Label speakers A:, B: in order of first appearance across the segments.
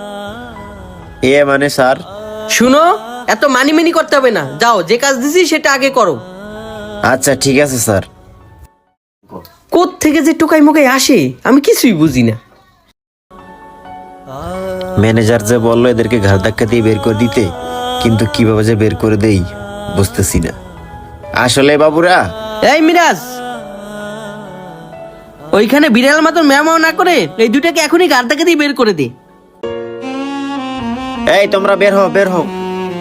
A: এ মানে স্যার?
B: শুনো, এত মানি করতে হবে না, যাও যে কাজ দিছি সেটা আগে করো।
A: আচ্ছা ঠিক আছে স্যার।
B: থেকে যে টোকাই মোকাই আসে আমি কিছুই বুঝি না।
A: ম্যানেজার যে বললো এদেরকে ঘাড় ধাক্কা দিয়ে বের করে দিতে, কিন্তু কিভাবে যে বের করে দেই বুঝতেছি না। আসলে বাবুরা,
B: এই মিরাজ, ওইখানে বিড়াল মতন ম্যামাও না করে এই দুটাকে এখনই গাড় থেকে দিয়ে বের করে দে।
A: এই তোমরা বের হও, বের হও।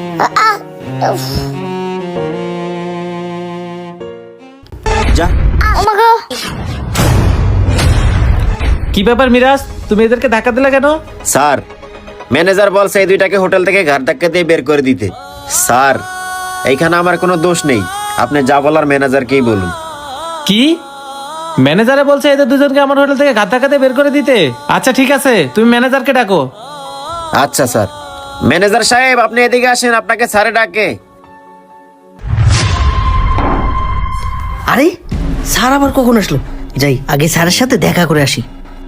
A: যা।
C: কি ব্যাপার মিরাজ, তুমি এদেরকে ধাক্কা দিলে কেন?
A: স্যার, ম্যানেজার বলছে এই দুইটাকে হোটেল থেকে ঘাড় ধাক্কা দিয়ে বের করে দিতে। স্যার, এইখানে আমার কোনো দোষ নেই, আপনি যা বলার ম্যানেজারকেই বলুন।
C: কি? ম্যানেজারে বলছে এদের দুজনকে আমার হোটেল থেকে ঘাত ধাক্কা দিয়ে বের করে দিতে? আচ্ছা ঠিক আছে, তুমি ম্যানেজারকে ডাকো।
A: আচ্ছা স্যার। ম্যানেজার সাহেব, আপনি এদিকে আসেন, আপনাকে স্যারে ডাকে।
B: আরে স্যার আবার কখন আসলো? যাই আগে স্যারের সাথে দেখা করে আসি।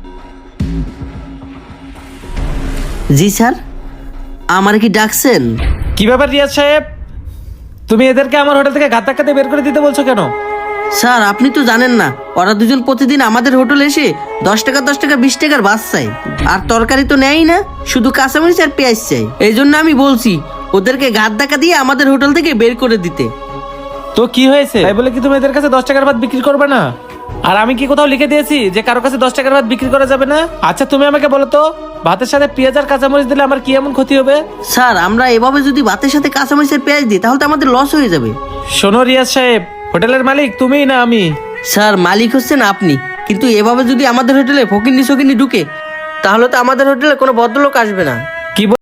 B: জি স্যার, আমার কি ডাকছেন?
C: কি ব্যাপার রিয়াজ সাহেব, তুমি এদেরকে আমার হোটেল থেকে ঘাত ধাক্কা দিয়ে বের করে দিতে বলছো কেন?
B: স্যার আপনি তো জানেন না, ওরা দুজন প্রতিদিন আমাদের হোটেলে এসে 10 টাকা 20 টাকার বাস চাই, আর তরকারি তো নেয়ই না, শুধু কাঁচামরিচ আর পেঁয়াজ চাই। এই জন্য আমি বলছি ওদেরকে ঘাত ধাক্কা দিয়ে আমাদের হোটেল থেকে বের করে দিতে।
C: তো কি হয়েছে তাই বলে কি তুমি এদের কাছে 10 টাকার ভাত বিক্রি করবে না? আর আমি কি কোথাও লিখে দিয়েছি যে কারো কাছে 10 টাকার ভাত বিক্রি করা যাবে না? আচ্ছা তুমি আমাকে বলো তো, ভাতের সাথে পেঁয়াজ আর কাঁচামরিচ দিলে আমার কি এমন ক্ষতি হবে?
B: স্যার আমরা এভাবে যদি ভাতের সাথে কাঁচামরিচের পেঁয়াজ দিই তাহলে তো আমাদের লস হয়ে যাবে।
C: শোনো রিয়াজ সাহেব, হোটেলের মালিক তুমিই না আমি।
B: স্যার মালিক হচ্ছেন আপনি, কিন্তু এভাবে যদি আমাদের হোটেলে ফকিন্নি সকিন্নি ঢুকে তাহলে তো আমাদের হোটেলে কোনো ভদ্রলোক আসবে না।